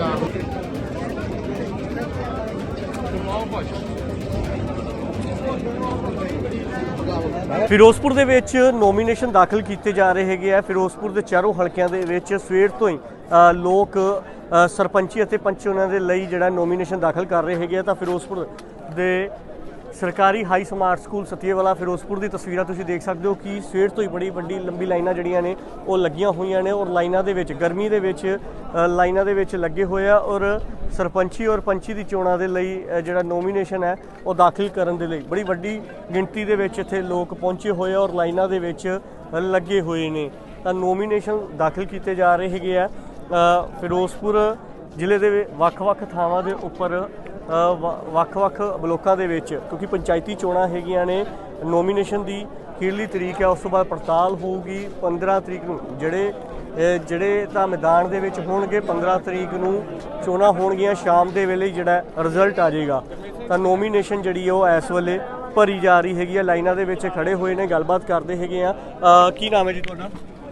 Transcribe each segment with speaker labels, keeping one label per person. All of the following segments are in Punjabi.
Speaker 1: ਫਿਰੋਜ਼ਪੁਰ ਦੇ ਵਿੱਚ ਨੋਮੀਨੇਸ਼ਨ ਦਾਖਲ ਕੀਤੇ ਜਾ ਰਹੇ ਹੈਗੇ ਆ। ਫਿਰੋਜ਼ਪੁਰ ਦੇ ਚਾਰੋਂ ਹਲਕਿਆਂ ਦੇ ਵਿੱਚ ਸਵੇਰ ਤੋਂ ਹੀ ਲੋਕ ਸਰਪੰਚੀ ਅਤੇ ਪੰਚ ਉਹਨਾਂ ਦੇ ਲਈ ਜਿਹੜਾ ਨੋਮੀਨੇਸ਼ਨ ਦਾਖਲ ਕਰ ਰਹੇ ਹੈਗੇ ਆ। ਤਾਂ ਫਿਰੋਜ਼ਪੁਰ ਦੇ ਸਰਕਾਰੀ high smart school Satiewala Firozpur ਦੀ ਤਸਵੀਰਾਂ ਤੁਸੀਂ ਦੇਖ ਸਕਦੇ ਹੋ ਕਿ ਸਵੇਰ ਤੋਂ ਹੀ ਬੜੀ ਵੱਡੀ ਲੰਬੀ ਲਾਈਨਾਂ ਜਿਹੜੀਆਂ ਨੇ ਉਹ ਲੱਗੀਆਂ ਹੋਈਆਂ ਨੇ ਔਰ ਲਾਈਨਾਂ ਦੇ ਵਿੱਚ ਗਰਮੀ ਦੇ ਵਿੱਚ ਲਾਈਨਾਂ ਦੇ ਵਿੱਚ ਲੱਗੇ ਹੋਏ ਆ ਔਰ ਸਰਪੰਚੀ ਔਰ ਪੰਚੀ ਦੀ ਚੋਣਾਂ ਦੇ ਲਈ ਜਿਹੜਾ ਨੋਮੀਨੇਸ਼ਨ ਹੈ ਉਹ ਦਾਖਲ ਕਰਨ ਦੇ ਲਈ ਬੜੀ ਵੱਡੀ ਗਿਣਤੀ ਦੇ ਵਿੱਚ ਇੱਥੇ ਲੋਕ ਪਹੁੰਚੇ ਹੋਏ ਆ ਔਰ ਲਾਈਨਾਂ ਦੇ ਵਿੱਚ ਲੱਗੇ ਹੋਏ ਨੇ। ਤਾਂ ਨੋਮੀਨੇਸ਼ਨ ਦਾਖਲ ਕੀਤੇ ਜਾ ਰਹੇ ਹੈਗੇ ਆ। ਫਿਰੋਜ਼ਪੁਰ ਜ਼ਿਲ੍ਹੇ ਦੇ ਵੱਖ-ਵੱਖ ਥਾਵਾਂ ਦੇ ਉੱਪਰ ਵੱਖ-ਵੱਖ ਬਲੋਕਾਂ ਦੇ ਵਿੱਚ ਕਿਉਂਕਿ ਪੰਚਾਇਤੀ ਚੋਣਾਂ ਹੈਗੀਆਂ ਨੇ। ਨੋਮੀਨੇਸ਼ਨ ਦੀ ਅਖੀਰਲੀ ਤਰੀਕ ਹੈ, ਉਸ ਤੋਂ ਬਾਅਦ ਪੜਤਾਲ ਹੋਊਗੀ 15 ਤਰੀਕ ਨੂੰ। ਜਿਹੜੇ ਤਾਂ ਮੈਦਾਨ ਦੇ ਵਿੱਚ ਹੋਣਗੇ 15 ਤਰੀਕ ਨੂੰ ਚੋਣਾਂ ਹੋਣਗੀਆਂ, ਸ਼ਾਮ ਦੇ ਵੇਲੇ ਜਿਹੜਾ ਰਿਜ਼ਲਟ ਆ ਜਾਏਗਾ। ਤਾਂ ਨੋਮੀਨੇਸ਼ਨ ਜਿਹੜੀ ਉਹ ਇਸ ਵੇਲੇ ਭਰੀ ਜਾ ਰਹੀ ਹੈਗੀ ਆ। ਲਾਈਨਾਂ ਦੇ ਵਿੱਚ ਖੜੇ ਹੋਏ ਨੇ, ਗੱਲਬਾਤ ਕਰਦੇ ਹੈਗੇ ਆ। ਕੀ ਨਾਮ ਹੈ ਜੀ ਤੁਹਾਡਾ?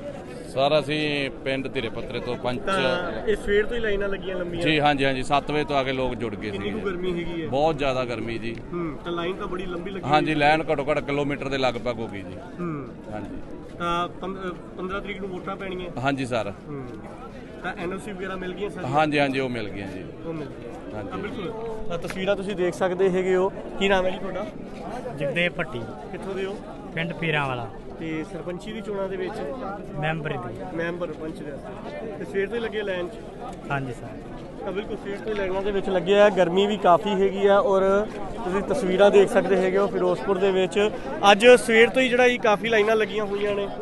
Speaker 2: ਸਰ ਅਸੀਂ ਪਿੰਡ ਧੀਰੇ ਪੱਤਰੇ ਤੋਂ ਪੰਚ।
Speaker 1: ਇਹ ਸਵੇਰ ਤੋਂ ਹੀ ਲਾਈਨਾਂ ਲੱਗੀਆਂ ਲੰਮੀਆਂ
Speaker 2: ਜੀ? ਹਾਂਜੀ ਹਾਂਜੀ, 7 ਵਜੇ ਤੋਂ ਆ ਕੇ ਲੋਕ ਜੁੜ ਗਏ ਸੀ।
Speaker 1: ਗਰਮੀ ਹੈਗੀ ਹੈ
Speaker 2: ਬਹੁਤ ਜ਼ਿਆਦਾ ਗਰਮੀ ਜੀ।
Speaker 1: ਤਾਂ ਲਾਈਨ ਤਾਂ ਬੜੀ ਲੰਬੀ ਲੱਗੀ।
Speaker 2: ਹਾਂਜੀ, ਲਾਈਨ ਘੱਟੋ ਘੱਟ ਕਿਲੋਮੀਟਰ ਦੇ ਲਗਭਗ ਹੋ ਗਈ ਜੀ। ਹਾਂਜੀ।
Speaker 1: ਤਾਂ 15 ਤਰੀਕ ਨੂੰ ਵੋਟਾਂ ਪੈਣੀਆਂ?
Speaker 2: ਹਾਂਜੀ ਸਰ।
Speaker 1: ਤਾਂ ਐਨਓਸੀ ਵਗੈਰਾ ਮਿਲ ਗਈਆਂ ਸਰ?
Speaker 2: ਹਾਂਜੀ ਹਾਂਜੀ, ਉਹ ਮਿਲ ਗਈਆਂ ਜੀ।
Speaker 1: ਉਹ ਮਿਲ ਗਈਆਂ।
Speaker 2: ਹਾਂਜੀ
Speaker 1: ਬਿਲਕੁਲ। ਤਸਵੀਰਾਂ ਤੁਸੀਂ ਦੇਖ ਸਕਦੇ ਹੈਗੇ ਹੋ। ਕੀ ਨਾਮ ਹੈ ਜੀ ਤੁਹਾਡਾ?
Speaker 3: ਜਗਦੇਵ ਭੱਟੀ,
Speaker 1: ਕਿੱਥੋਂ ਦੇ ਹੋ?
Speaker 3: ਪਿੰਡ ਪੀਰਾਂ ਵਾਲਾ।
Speaker 1: ਤੇ ਸਰਪੰਚੀ ਦੀ ਚੋਣਾਂ ਦੇ ਵਿੱਚ
Speaker 3: ਮੈਂਬਰ ਦੀ।
Speaker 1: ਮੈਂਬਰ ਪੰਚ ਦੇ ਵਾਸਤੇ ਤੇ ਸਵੇਰ ਤੋਂ ਹੀ ਲੱਗੇ ਲਾਈਨ 'ਚ?
Speaker 3: ਹਾਂਜੀ ਸਰ।
Speaker 1: ਤਾਂ ਬਿਲਕੁਲ ਸਵੇਰ ਤੋਂ ਹੀ ਲਾਈਨਾਂ ਦੇ ਵਿੱਚ ਲੱਗੇ ਆ। ਗਰਮੀ ਵੀ ਕਾਫੀ ਹੈਗੀ ਆ ਔਰ ਤੁਸੀਂ ਤਸਵੀਰਾਂ ਦੇਖ ਸਕਦੇ ਹੈਗੇ ਹੋ ਫਿਰੋਜ਼ਪੁਰ ਦੇ ਵਿੱਚ ਅੱਜ ਸਵੇਰ ਤੋਂ ਹੀ ਜਿਹੜਾ ਕਾਫੀ ਲਾਈਨਾਂ ਲੱਗੀਆਂ ਹੋਈਆਂ ਨੇ।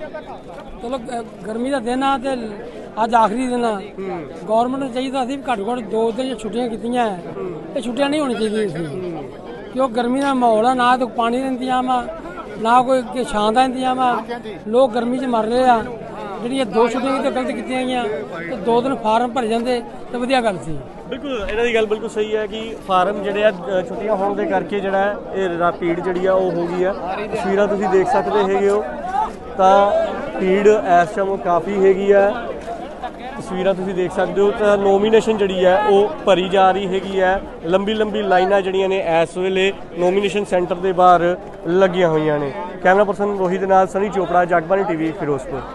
Speaker 4: ਚਲੋ ਗਰਮੀ ਦਾ ਦਿਨ ਆ ਤੇ ਅੱਜ ਆਖਰੀ ਦਿਨ ਆ। ਗਵਰਨਮੈਂਟ ਨੂੰ ਚਾਹੀਦਾ ਸੀ ਘੱਟੋ ਘੱਟ 2 ਦਿਨ ਛੁੱਟੀਆਂ ਕੀਤੀਆਂ। ਇਹ ਛੁੱਟੀਆਂ ਨਹੀਂ ਹੋਣੀ ਚਾਹੀਦੀਆਂ ਸੀ ਕਿਉਂ ਗਰਮੀ ਦਾ ਮਾਹੌਲ ਆ, ਨਾ ਤਾਂ ਪਾਣੀ ਦਾ ਇੰਤਜ਼ਾਮ ਆ, ਨਾ ਕੋਈ ਛਾਂ ਦਾ ਇੰਤਜ਼ਾਮ ਆ। ਲੋਕ ਗਰਮੀ 'ਚ ਮਰ ਰਹੇ ਆ। ਜਿਹੜੀਆਂ 2 ਛੁੱਟੀਆਂ ਤਾਂ ਗਲਤ ਕੀਤੀਆਂ ਗਈਆਂ ਤੇ 2 ਦਿਨ ਫਾਰਮ ਭਰੇ ਜਾਂਦੇ ਤਾਂ ਵਧੀਆ ਗੱਲ ਸੀ।
Speaker 1: ਬਿਲਕੁਲ ਇਹਨਾਂ ਦੀ ਗੱਲ ਬਿਲਕੁਲ ਸਹੀ ਹੈ ਕਿ ਫਾਰਮ ਜਿਹੜੇ ਆ ਛੁੱਟੀਆਂ ਹੋਣ ਦੇ ਕਰਕੇ ਜਿਹੜਾ ਇਹ ਭੀੜ ਜਿਹੜੀ ਆ ਉਹ ਹੋ ਗਈ ਆ। ਤਸਵੀਰਾਂ ਤੁਸੀਂ ਦੇਖ ਸਕਦੇ ਹੈਗੇ ਹੋ। ਤਾਂ ਭੀੜ ਇਸ ਟਾਈਮ ਕਾਫੀ ਹੈਗੀ ਆ। ਤਸਵੀਰਾਂ ਤੁਸੀਂ ਦੇਖ ਸਕਦੇ ਹੋ। ਤਾਂ ਨੋਮੀਨੇਸ਼ਨ ਜਿਹੜੀ ਹੈ ਉਹ ਭਰੀ ਜਾ ਰਹੀ ਹੈਗੀ ਹੈ। ਲੰਬੀ ਲੰਬੀ ਲਾਈਨਾਂ ਜਿਹੜੀਆਂ ਨੇ ਇਸ ਵੇਲੇ ਨੋਮੀਨੇਸ਼ਨ ਸੈਂਟਰ ਦੇ ਬਾਹਰ ਲੱਗੀਆਂ ਹੋਈਆਂ ਨੇ। ਕੈਮਰਾ ਪਰਸਨ ਰੋਹਿਤ ਦੇ ਨਾਲ ਸਨੀ ਚੋਪੜਾ, ਜਗਬਾਣੀ ਟੀਵੀ, ਫਿਰੋਜ਼ਪੁਰ।